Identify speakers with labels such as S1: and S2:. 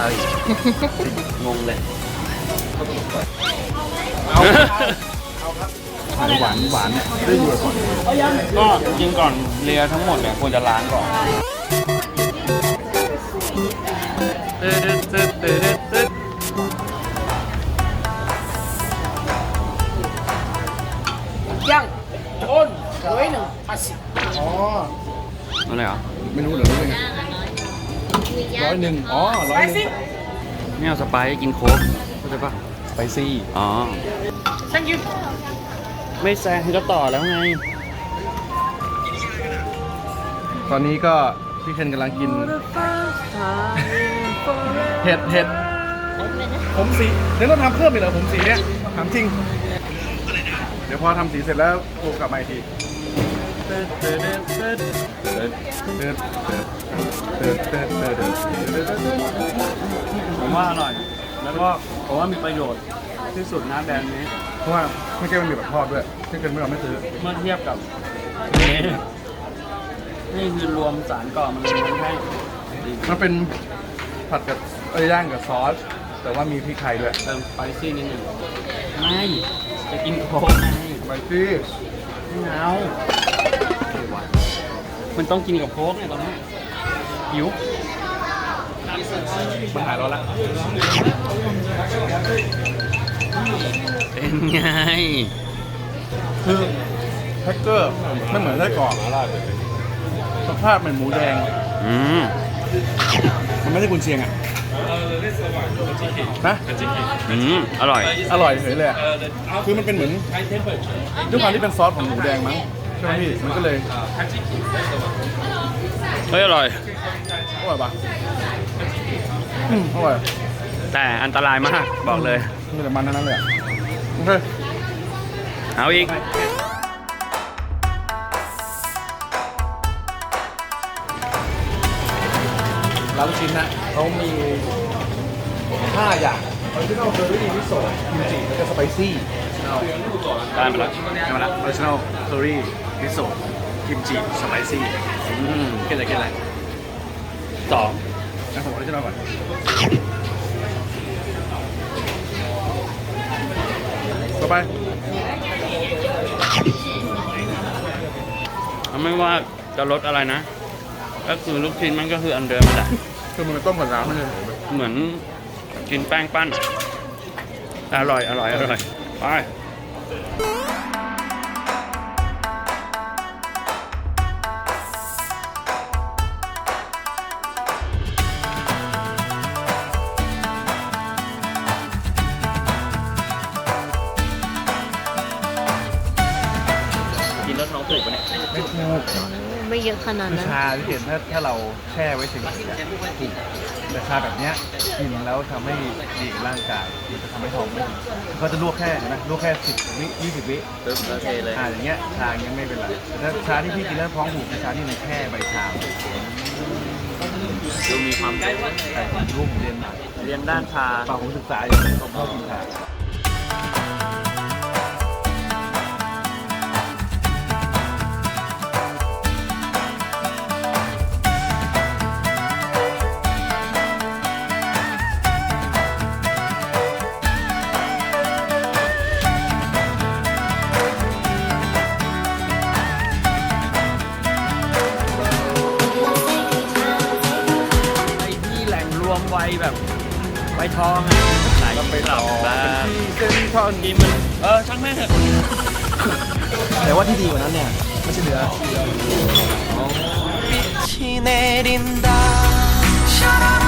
S1: เขาอีกงงเลย
S2: หวานหวานเนี่ยได้ดีก่อน
S1: ก็กินก่อนเลียทั้งหมดเนี่ยควรจะล้างก่อนตึ๊ด
S3: ย่างต้น180
S2: อ๋อ
S1: อะไรเหรอ
S2: ไม่รู้เหรอรู้ยังไง100อ๋อ100
S1: ไม่เอาสไปซ์กินโค้กเข้าใจปะ
S2: ไปซี่
S1: อ๋อ
S3: thank you
S1: ไม่แซงก็ต่อแล้วไง
S2: ตอนนี้ก็พี่เคนกำลังกินเห็ดผมสีเดี๋ยวต้องทำเพิ่มอีกเหรอผมสีเนี้ยถามจริง เดี๋ยวพอทำสีเสร็จแล้วโทรกลับมาอีกที
S1: ผมว่าอร่อย แล้วก็ผมว่ามีประโยชน์ที่สุดนะแบรนด์นี้
S2: เพราะว่าไม่ใช่มันมีแบบทอดด้วยที่เกินไม่เราไม่ซื้อ
S1: เมื่อเทียบกับนี่คือรวมสารก่อมันเลยให้
S2: มันเป็นผัดกับย่างกับซอส แต่ว่ามีพริกไทยด้วย
S1: เติมสไปซี่นิดหนึ่งไม่จะกินโค้กไง
S2: ไปซี่
S1: ไม่เอามันต้องกินกับโค้กเนี่ยตอนนี้หิว
S2: มันหายร้อนละ
S1: เป็นไง
S2: คือแท็กเกอร์ไม่เหมือนไส้กรอกสภาพเหมือนหมูแดง
S1: อืม
S2: มันไม่ใช่กุนเชียงอ่ะนะ
S1: อร่อย
S2: อร่อยเฉยเลยอะคือมันเป็นเหมือนด้วยความที่เป็นซอสของหมูแดงมั้งใช่ไหมพี่มันก็เลย
S1: เฮ้ยอร่อย
S2: อร่อยปะอร่อย
S1: แต่อันตรายมากบอกเลย
S2: มีแต่มันทั้งนั้นเลยอะโอเค
S1: เอาอีก
S2: ร้านลูกชิ้นนะเขามี5อย่างออริจินอลเคอรี่มิโซะกิมจิแล้วก็สไปซี่
S1: ได้มาแล้ว
S2: ได้มาละออริจินอลเคอรี่มิโซะกิมจิสไปซี่กินอะไร
S1: สอง
S2: นะผมออริจินอลก่อนต่อไป
S1: ไม่ว่าจะรสอะไรนะ ก็คือลูกชิ้นมันก็คืออันเดิมแหละ
S2: คือมันเป็นต้มกับน้ำไม่ใช่
S1: เหมือนกินแป้งปั้น อร่อยไป กินแล้วท้องผูกปะเนี่ย
S2: ไม่ถูก
S4: ไม่เยอะขนาด
S2: คือ
S4: นั้น
S2: ชาที่เห็นถ้าเราแช่ไว้ถึงถูกแต่ชาแบบเนี้ยกินแล้วทำให้ดีกับร่างกายมันจะทำให้ท้องไม่ดีเขาจะลวกแค่เห็นไหมลวกแค่10 วิ20 วิ
S1: ตึ๊บแล้วเทเลย
S2: อย่างเงี้ยชาอย่างเงี้ยไม่เป็นไรแต่ถ้าชาที่พี่กินแล้วท้องผูกคือชาที่มันแค่ใบชา
S1: ดูมีความ
S2: แต่รูปผมเรียนมา
S1: เรียนด้านชา
S2: เปล่าผมศึกษาอยู่ผมชอบกินชา
S1: ไอ้ที่แหล่งรวมไวแบบไวทองอ่ะไหนไปหลับบ้าง
S2: เส้นทอด
S1: กินมันช่างแม่งเถอะ
S2: แต่ว่าที่ดีกว่านั้นเนี่ยไม่ใช่เนื้อ
S5: 빛이 내린다